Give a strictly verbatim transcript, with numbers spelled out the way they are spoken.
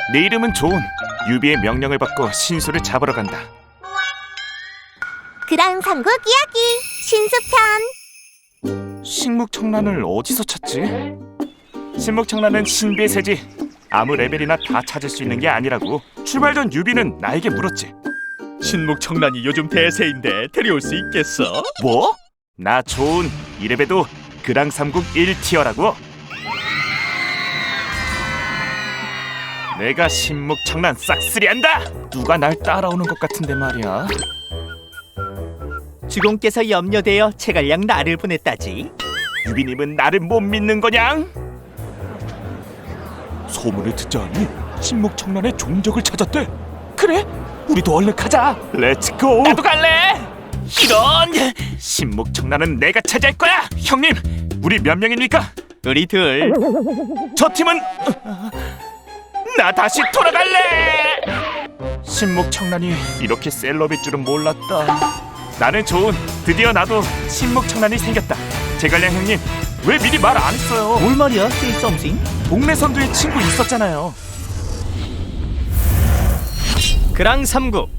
내 이름은 존. 유비의 명령을 받고 신수를 잡으러 간다. 그랑 삼국 이야기 신수편. 식목청란을 어디서 찾지? 식목청란은 신비의 새지. 아무 레벨이나 다 찾을 수 있는 게 아니라고. 출발 전 유비는 나에게 물었지. 신목청란이 요즘 대세인데 데려올 수 있겠어? 뭐? 나 존. 이래봬도 그랑 삼국 일 티어라고. 내가 신목청란 싹쓸이한다. 누가 날 따라오는 것 같은데 말이야. 주공께서 염려되어 체갈량 나를 보냈다지. 유비님은 나를 못 믿는 거냥? 소문을 듣자니 신목청란의 종적을 찾았대. 그래? 우리도 얼른 가자. 렛츠고. 나도 갈래. 이런! 신목청란은 내가 차지할 거야. 형님, 우리 몇 명입니까? 우리 둘. 저 팀은 나 다시 돌아갈래. 신목청란이 이렇게 셀럽일 줄은 몰랐다. 나는 좋은. 드디어 나도 신목청란이 생겼다. 제갈량 형님, 왜 미리 말 안 했어요? 뭘 말이야, say something? 동네 선두에 친구 있었잖아요. 그랑 삼국